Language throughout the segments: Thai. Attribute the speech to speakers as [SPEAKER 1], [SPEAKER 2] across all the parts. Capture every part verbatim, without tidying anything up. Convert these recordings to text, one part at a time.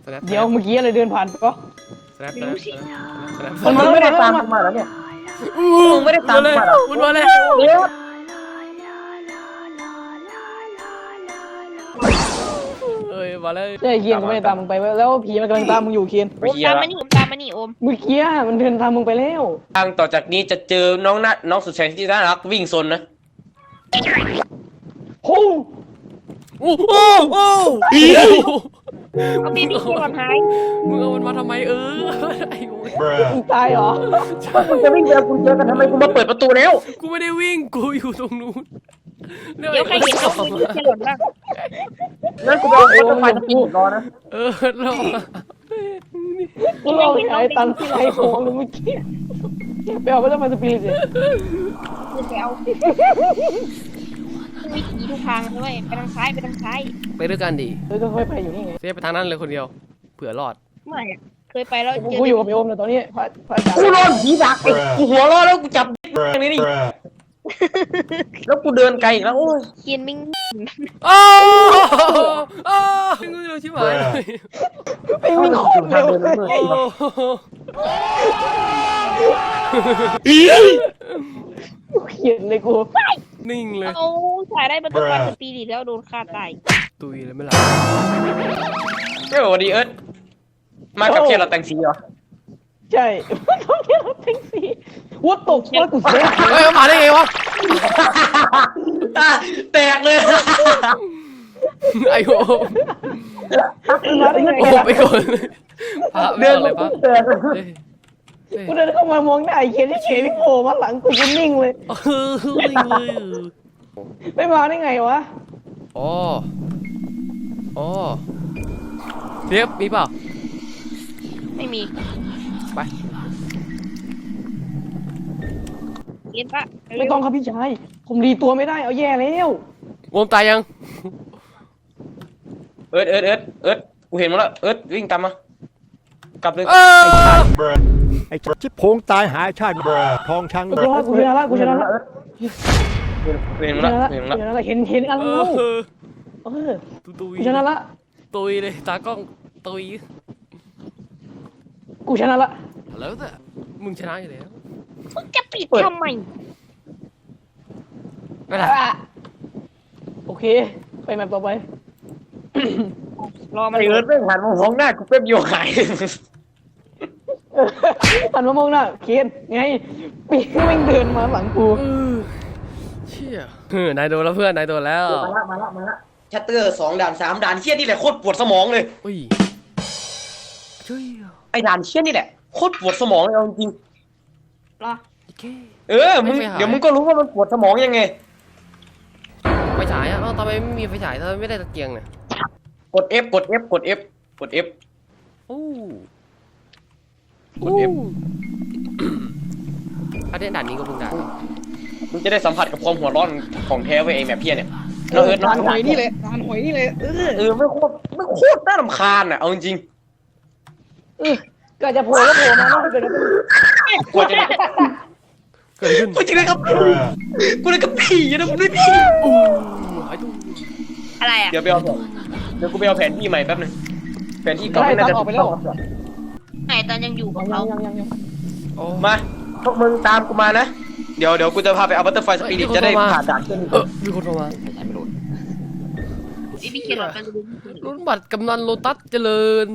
[SPEAKER 1] เดี๋ยวเมื่อกี้อะไรเดินผ่านก็
[SPEAKER 2] มันไม่ได้ตามมาแล้วเนี่ยมึงไม่ได้ตามมาแล้ว
[SPEAKER 1] มันมาแล้วเอ้ยมาเลยใช่เคียนก็ไม่ได้ตามมึงไปแล้วผีมันกำลังตามมึงอยู่เคียน
[SPEAKER 3] ตามมานี่ตามมานี่โอม
[SPEAKER 1] เมื่อกี้มันเดินตามมึงไปแล้ว
[SPEAKER 2] ทางต่อจากนี้จะเจอน้องนัดน้องสุดแสนที่น่ารักวิ่งซนนะ
[SPEAKER 1] โอ้โอ้โอ้โอ้
[SPEAKER 3] เอาบีบีก่อนหาย
[SPEAKER 1] มึงเอามันมาทำไมเออไอ้โว้ยมึงตายเหรอ
[SPEAKER 2] มึงจะวิ่งเจอกูเจอกันทำไมกูมาเปิดประตูแล้ว
[SPEAKER 1] กูไม่ได้วิ่งกูอยู่ตรงนู้น
[SPEAKER 3] เดี๋ยวใครเห็นเขาบีบีจะหล่นบ้าง
[SPEAKER 2] นั่นกูเอารถไฟสปีดรอนะ
[SPEAKER 1] เออรอกูเอาไอ้ตันไอ้โค้งเลยเมื่อกี้ไปเอารถไฟสปีดเลย
[SPEAKER 3] ไปเอาวิถีทุกทางด้วยไปทางซ้ายไปทางซ้าย
[SPEAKER 1] ไปด้วยกันดิเออก็ค่อยไปอยู่นี่ไงเซฟไปทางนั้นเลยคนเดียวเผื่อรอด
[SPEAKER 3] ไม่เคยไปแล้ว
[SPEAKER 1] กูอยู่กับพี่โอมเลยตอนนี้พระพระอาจารย์
[SPEAKER 2] กูโดนผีดักกูหัวรอดแล้วกูจับอย่างนี้นี่แล้วกูเดินไกลอีกแล้วโอ้ย
[SPEAKER 3] เขียนมิง
[SPEAKER 1] โอ้โอ้มิงเร็วชิบหายไปวิ่งโคตรเร็วเขียนเลยกูนิ่งเลย
[SPEAKER 3] โอ้ถ่ายได้ประตูไฟสปีดแล้วโดนฆ่าตาย
[SPEAKER 1] ตุยเลยไม่หลับ
[SPEAKER 2] เฮ้ยสวัสดีเอิร์ธมากับเคียร์เราแต่งสีเหรอ
[SPEAKER 1] ใช่ต้องเคียร์เราแต่งสีวัดตกว่ากูเสียเฮ้ยมาได้ไงวะ
[SPEAKER 2] แตกเลย
[SPEAKER 1] ไอ้โอ้มาได้ไงไปก่อนพระเรื่องอะไรปะกูเดินเข้ามามองหน้าไอ้เคียร์ที่เฉยโผล่มาหลังกูก็นิ่งเลยนิ่งเลยไม่มาได้ไงวะอ๋ออ๋อเทียบมีเปล่า
[SPEAKER 3] ไม่มี
[SPEAKER 1] ไป
[SPEAKER 3] เย็นปะ
[SPEAKER 1] ไม่ต้องครับพี่ชายผมดีตัวไม่ได้เอาแย่แล้ววงตายยัง
[SPEAKER 2] เอิร์ธเอิร์ธเอิร์ธเอิร์ธกูเห็นมาแล้วเอิร์ธวิ่งตามมากลับเลย
[SPEAKER 4] ไอ้ชิบโพงตายหายชาติทองช้าง
[SPEAKER 1] กูชนะกูชนะละกูชนะละ
[SPEAKER 2] เห็นมาแล้วเห็นมา
[SPEAKER 1] แล้วเห็นเห็นกันแล้วเออ
[SPEAKER 4] ตุย
[SPEAKER 1] ชนะละ
[SPEAKER 4] ตุยเลยตากล้องตุย
[SPEAKER 1] กูชนะละ
[SPEAKER 4] แล้วแต่มึงชนะอยู่แล้ว
[SPEAKER 3] มึงจะปิดทำไม
[SPEAKER 1] ไม่ได้โอเคไปแมปต่อไป
[SPEAKER 3] รอมัน
[SPEAKER 2] ไอเอิร์ธไม่หันมามองหน้ากูเป๊บโยหาย
[SPEAKER 1] หันมามองหน้าเคียนไงปีกวิ่งเดินมาหลังกู
[SPEAKER 4] เชี่ยเออนายโดนแล้วเพื่อนนายโดนแล้ว
[SPEAKER 2] มาละมาละมาละชัตเตอร์สองด่านสามด่านเชี่ยนี่แหละโคตรปวดสมองเลย
[SPEAKER 4] อุ้ย
[SPEAKER 2] ไอ้ด่านเชี่ยนี่แหละโคตรปวดสมองเลยจริง
[SPEAKER 3] รอ
[SPEAKER 2] เออมึงเดี๋ยวมึงก็รู้ว่ามันปวดสมองยังไง
[SPEAKER 4] ไฟฉายอ่ะทำไมไม่มีไฟฉายทำไมไม่ได้ตะเกียงเนี่ย
[SPEAKER 2] กด F กด F กด F กด F
[SPEAKER 4] โอ้กด F ถ้าเล่นด่านนี้ก็มึงด่าน
[SPEAKER 2] มึงจะได้สัมผัสกับความหัวร้อนของแท้ไว้เองแบบเพี้ยเนี่ย
[SPEAKER 1] เราเอิร์ธด่านหอยนี่เลยด่านหอยนี่เลย
[SPEAKER 2] เออไม่โคตรไม่โคตรน่ารำคาญอ่ะเอาจริง
[SPEAKER 1] เออก็จะโผล่ก็โผล่มาไม่เกิดอะไร
[SPEAKER 2] กลัวจะ
[SPEAKER 4] เกิดขึ้น
[SPEAKER 2] กูจะได้กับกูได้กับผีนะมึงด้วยผี
[SPEAKER 3] อะไรอ่ะ
[SPEAKER 2] เดี๋ยวไปเอาเดี๋ยวกูไปเอาแผนที่ใหม่แป๊บนึงแผนที่เก่า
[SPEAKER 1] ไม่น่าจะออกไปแล้ว
[SPEAKER 3] ไหนตอนยังอยู่กับเรา
[SPEAKER 2] มาพวกมึงตามกูมานะเดี๋ยวเดี๋ยวกูจะพาไปเอาบัตเตอร์ไฟสปิริตจะได้ผ่านด่านเช่นนี้
[SPEAKER 4] เออมีคนโทรมา
[SPEAKER 3] ไอ้พี่เขียนหลอดกัน
[SPEAKER 4] รุ่นบัตรกำนันโลตัสเจริญ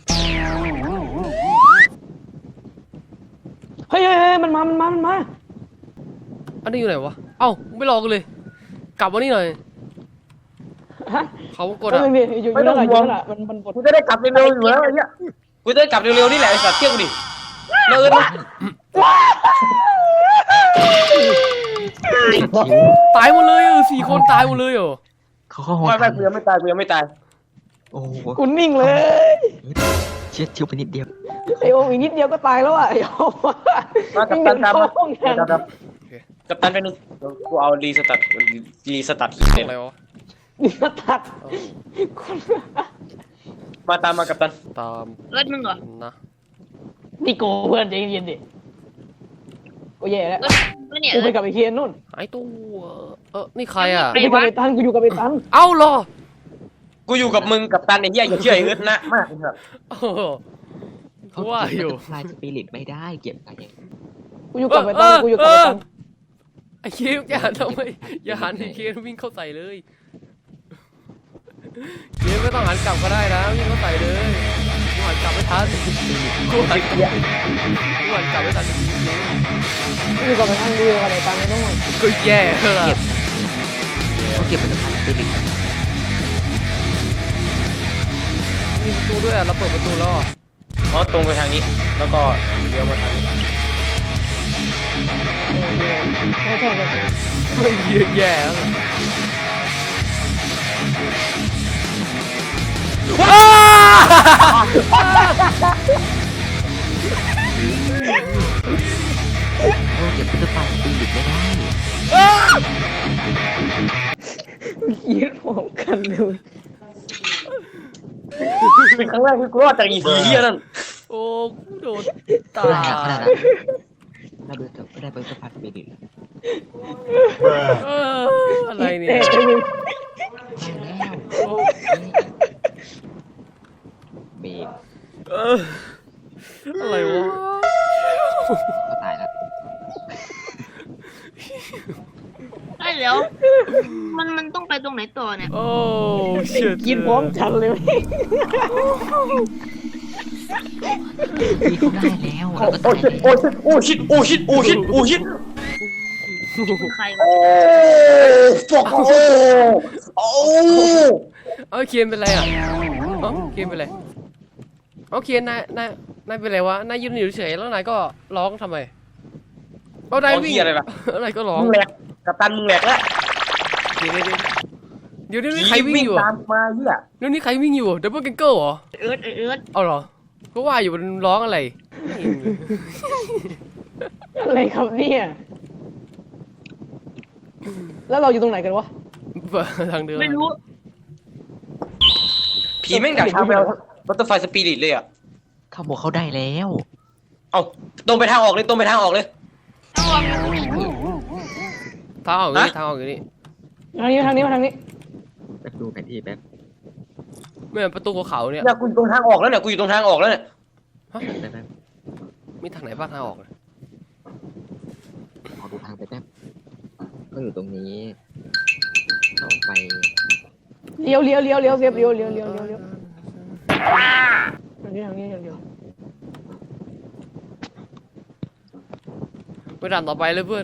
[SPEAKER 1] เฮ้ยเฮ้ยมันมามันมามันมา
[SPEAKER 4] อันนี้อยู่ไหนวะเอ้าไม่รอกันเลยกลับมานี่หน่อยเขากดอ่ะ
[SPEAKER 2] ไม่ต้องห่วงกูจะได้กลับเร็วๆอยู่แล้วไอ้เนี้ยกูจะได้กลับเร็วๆนี่แหละไอ้สัตว์เที่ยงดิเลิศ
[SPEAKER 4] ตายหมดเลยเออสี่คนตายหมดเลยเหรอ
[SPEAKER 2] เขาเข้าห้องไม่ไม่กูยังไม่ตายกูยังไม่ตาย
[SPEAKER 1] โอ้กูนิ่งเลย
[SPEAKER 5] เช็ดชิวไปนิดเดียว
[SPEAKER 1] ไอโออีกนิดเดียวก็ตายแล้วอ่ะไอโอ
[SPEAKER 2] มากับตันตามมากับตันไปนึงกูเอารีสตาร์ทรีสตาร์ท
[SPEAKER 4] อะไรวะ
[SPEAKER 1] รีสตาร์ท
[SPEAKER 2] มาตามมากับตัน
[SPEAKER 4] ตาม
[SPEAKER 3] เอิร์ธมึงเหรอ
[SPEAKER 4] นะ
[SPEAKER 1] นี่โกเพื่อนใจเย็นดิโอ้ยแย่แล้วกูไปกับไอเคียนนู่น
[SPEAKER 4] ไอตัวเออนี่ใครอ่ะ
[SPEAKER 1] กูไปกับไอตันกูอยู่กับไอตัน
[SPEAKER 4] เอ้าหรอ
[SPEAKER 2] กูอยู่กับมึงกับตันไอ้เหี้ยอย่าเชื่อไอ้เอิร์ธนะมากครับ
[SPEAKER 4] โอ้โหกูว่าอยู่
[SPEAKER 5] ลายสปิริตไม่ได้เก็บไปเอง
[SPEAKER 1] กูอยู่กับไอ้ตังกูอยู่กับไอ้ตัง
[SPEAKER 4] ไอ้คิวอย่าทำไมอย่าหันไอ้คิววิ่งเข้าใส่เลยคิวไม่ต้องหันกลับก็ได้นะวิ่งเข้าใส่เลยกูหันกลับไม่ทันกูหันกลับกูหันกลับไม่ทันจริง
[SPEAKER 1] กูอยู่กับไอ้ตังกูอยู่กับไอ้ตังไอ้น้อง
[SPEAKER 4] ๆก็แย่ละ
[SPEAKER 5] เขาเก็บเป็นลายสปิริต
[SPEAKER 4] มีประตูด้วยอ่ะเราเปิดประตูแล้วอ่ะ
[SPEAKER 2] อ๋อตรงไปทางนี้แล้วก็เลี้ยวมาทางนี้
[SPEAKER 1] ใช่ใช่ใช่
[SPEAKER 4] ไม่แย่แย่แล้วว้า
[SPEAKER 5] เขาเก็บเป็นลายสปิริตไม่ได้
[SPEAKER 1] ยืดผมกันเลย
[SPEAKER 2] เป็นครั้งแรกที่กูรอดจากอีผีเหี้ยนั่น
[SPEAKER 4] โอ้กูโดนตา
[SPEAKER 5] ขนาดขนาดนั้นเราเบิร์กับได้เบิร์กับพันสปิริต
[SPEAKER 4] เอออะไรเนี่ย
[SPEAKER 5] แล้วเบรก
[SPEAKER 4] เอออะไรวะ
[SPEAKER 5] ก็ตายแล้ว
[SPEAKER 3] ไอ้เดี๋ยวมันมันต้องไปตรงไหนต่อเนี่ย
[SPEAKER 4] โอ้เชิด
[SPEAKER 1] กินพร้อมฉันเลย
[SPEAKER 5] พี่เขาได้แล้วเราก็
[SPEAKER 2] โอ้
[SPEAKER 5] ตาย
[SPEAKER 2] ชิตโอ้ชิตโอ้ชิตโอ้ชิตโอ้ชิตโอ้ชิต
[SPEAKER 3] ใครวะ
[SPEAKER 2] โอ้ฟอกโอ้โอ้
[SPEAKER 4] เอาเคียนเป็นไรอ่ะเอ้าเคียนเป็นไรเอาเคียนนายนายนายเป็นไรวะนายยืนอยู่เฉยแล้วนายก็ร้องทำไมเอานายวิ่งอะไรอะไรก็ร้อง
[SPEAKER 2] มึงแหลกกับตันมึงแหลกแล้ว
[SPEAKER 4] เดี๋ยวเดี๋ยวเดี๋ยวนี้ใครวิ่งอยู่
[SPEAKER 2] ตามมาเหี้ย
[SPEAKER 4] เดี๋ยวนี้ใครวิ่งอยู่ดับเบิลเกนเกิลเหรอ
[SPEAKER 3] เอิร์ธเอิร์ธ
[SPEAKER 4] เอาเหรอก็ว่าอยู่มันร้องอะไร
[SPEAKER 1] อะไรครับเนี่ยแล้วเราอยู่ตรงไหนกันวะ
[SPEAKER 4] ทางเดิน
[SPEAKER 3] ไม่รู้
[SPEAKER 2] ผีแม่งดักทางไปเอาบัตเตอร์ไฟสปิริตเลยอ่ะ
[SPEAKER 5] เขาบอกเขาได้แล้ว
[SPEAKER 2] เอาตรงไปทางออกเลยตรงไปทางออกเลย
[SPEAKER 3] ต้องลองดู
[SPEAKER 4] ทางออกอยู่นี่ทางออกอยู่นี่
[SPEAKER 1] ทางนี้ทางนี้มาทางนี้
[SPEAKER 5] แป๊บดูแผนที่แป๊บ
[SPEAKER 4] ไม่เหมือนประตูภูเขาเนี่ย
[SPEAKER 2] เนี่ยกูอยู่ตรงทางออกแล้วเนี่ยกูอยู่ตรงทางออกแล้วเนี่ย
[SPEAKER 5] แป๊บแป๊บแป๊บ
[SPEAKER 4] มีทางไหนบ้างทางออก
[SPEAKER 5] ขอดูทางไปแป๊บก็อยู่ตรงนี้เข้าไป
[SPEAKER 1] เลี้ยวเลี้ยวเลี้ยวเลี้ยวเลี้ยวเลี้ยวเลี้ยวเลี้ยวเลี้ยวเลี้ยวทางนี้ทางนี้เลี้ยว
[SPEAKER 4] ไปด่านต่อไปเลยเพื่อน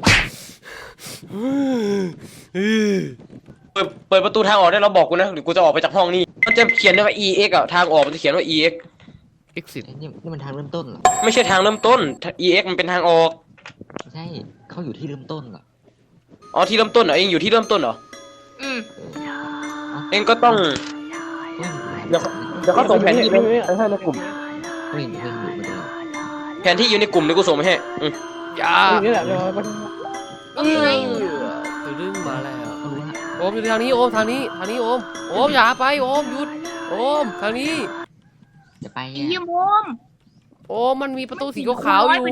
[SPEAKER 2] เปิดเปิดประตูทางออกได้แล้วบอกกูนะหรือกูจะออกไปจากห้องนี้มันจะเขียนได้ว่า อี เอ็กซ์ อ่ะทางออกมันจะเขียนว่า อี เอ็กซ์
[SPEAKER 4] exit
[SPEAKER 5] ไอ้นี่นี่มันทางเริ่มต้นเหรอ
[SPEAKER 2] ไม่ใช่ทางเริ่มต้น อี เอ็กซ์ มันเป็นทางออก
[SPEAKER 5] ไม่ใช่เขาอยู่ที่เริ่มต้นเหรอ
[SPEAKER 2] อ๋อที่เริ่มต้นเหรอเองอยู่ที่เริ่มต้นเหรอ
[SPEAKER 3] อืม
[SPEAKER 2] เองก็ต้อง
[SPEAKER 5] เฮ้ย
[SPEAKER 2] เดี๋ยวเดี๋ยวเขาส่งแผนที่ไปให้ในกลุ่ม
[SPEAKER 5] เฮ้ยเฮ้ยอยู่มาดู
[SPEAKER 2] แผนที่อยู่ในกลุ่มเดี๋ยวกูส่งไปให้อืม
[SPEAKER 4] อย่า
[SPEAKER 1] นี่แหละเดี๋ยวไป
[SPEAKER 3] ก็ไง
[SPEAKER 4] ตื่นดึงมาแล้ว
[SPEAKER 5] เขารู้ว่า
[SPEAKER 4] โอมอยู่ทางนี้โอมทางนี้ทางนี้โอมโอมอย่าไปโอมหยุดโอมทางนี้
[SPEAKER 5] จะไป
[SPEAKER 3] ไอ้
[SPEAKER 5] อ่ะ
[SPEAKER 3] เยี่ยมโอม
[SPEAKER 4] โอมมันมีประตูสีขาวๆอยู่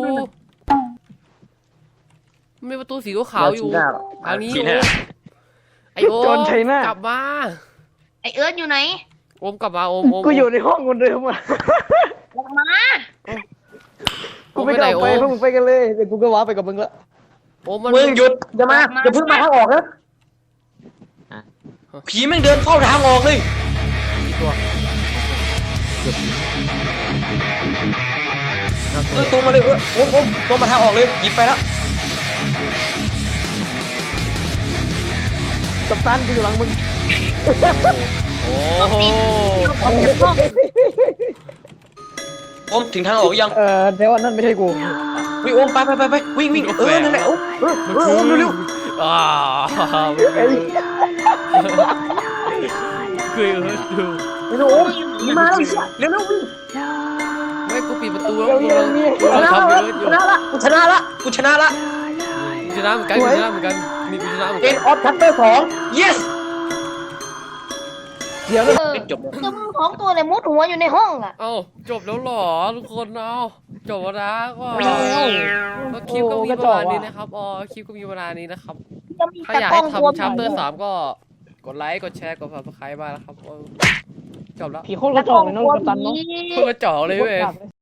[SPEAKER 4] มันมีประตูสีขาวๆอยู่
[SPEAKER 2] ชี้หน้าหร
[SPEAKER 4] ทางนี้
[SPEAKER 2] ชี้
[SPEAKER 4] โอ
[SPEAKER 2] หน้า
[SPEAKER 4] มไอโอมกลับมา
[SPEAKER 3] ไอเอิร์ธอยู่ไหน
[SPEAKER 4] โอมกลับมาโอมโอม
[SPEAKER 1] กูอยู่ในห้องคนเดิมอ่ะ
[SPEAKER 3] ออกมา
[SPEAKER 4] โอ
[SPEAKER 1] กู
[SPEAKER 4] ม
[SPEAKER 1] ไม่
[SPEAKER 4] ไป
[SPEAKER 1] ก
[SPEAKER 4] ไหน
[SPEAKER 1] ล้า
[SPEAKER 4] โอ
[SPEAKER 1] ไป
[SPEAKER 4] ม
[SPEAKER 1] พวกมึงไปกันเลยเดี๋ยวกูก็ว้าไปกับมึงละ
[SPEAKER 4] โอมมัน
[SPEAKER 2] มึงหยุดอย่ามาอย่าเพิ่งมาทางออกนะผีแม่งเดินเข้าทางออกเลย
[SPEAKER 4] กี่ตัว
[SPEAKER 5] เกือบ
[SPEAKER 2] เออตรงมาเลยเออโอ้โหตรงมาทางออกเลยหยิบไปแล้ว
[SPEAKER 1] กับตันกูอยู่หลังมึง
[SPEAKER 4] โอ้โห
[SPEAKER 3] ออกจากห้อง
[SPEAKER 2] โอมถึงทางออกยัง
[SPEAKER 1] เออเดี๋ยวอันนั่นไม่ใช่กู
[SPEAKER 2] วิ่งโอมไปไปไปไปวิ่งวิ่งเออนั่นแหละโอมเออเออโอมเร็ว
[SPEAKER 4] อ่า
[SPEAKER 1] ไอ้
[SPEAKER 4] เคยเออดู
[SPEAKER 2] ๆเร็วโอมหนีมาแล้วเร็วเร็ววิ่ง
[SPEAKER 4] ไม่กูปิดประตูแล้ว
[SPEAKER 1] เร็ว
[SPEAKER 4] กู
[SPEAKER 1] เร็
[SPEAKER 4] กำลั
[SPEAKER 1] ว
[SPEAKER 4] ง
[SPEAKER 1] นี่
[SPEAKER 4] กู
[SPEAKER 2] ช
[SPEAKER 4] กำลัง
[SPEAKER 2] นะ
[SPEAKER 4] ทำ
[SPEAKER 2] ละ
[SPEAKER 4] เยอะอยู่
[SPEAKER 2] ชนะละกูชนะละกูชนะละ
[SPEAKER 4] กูชนะเหมือนกันกูชนะเหมือนกันนี่กูชนะเหมือน
[SPEAKER 2] เก
[SPEAKER 4] กัน
[SPEAKER 2] นออฟทัตเตอร์สอง yes
[SPEAKER 1] เดี๋ยวนะ
[SPEAKER 3] เออ
[SPEAKER 2] จบแล้ว
[SPEAKER 3] ตัวมึงของตัวเนี่ยมุดหัวอยู่ในห้องอ่ะ
[SPEAKER 4] เอ้าจบแล้วเหรอทุกคนเอาจบแล้วนะก็ก็คลิปก็มีประมาณนี้นะครับอ๋อคลิปก็มีประมาณนี้นะครับ
[SPEAKER 3] จะมี
[SPEAKER 4] ถ้า
[SPEAKER 3] แต่
[SPEAKER 4] อยาก
[SPEAKER 3] กล้
[SPEAKER 4] ให้
[SPEAKER 3] องตัว
[SPEAKER 4] ทำชัปเตอร์สามก็กดไลค์กดแชร์กดซับสไครต์มานะครับจบแล้ว
[SPEAKER 1] ผีโคตรกระจอกเลยน้องกัปตันเนาะ
[SPEAKER 4] โคตรกระจอกเลยเว้ย
[SPEAKER 1] โคตรกากเลย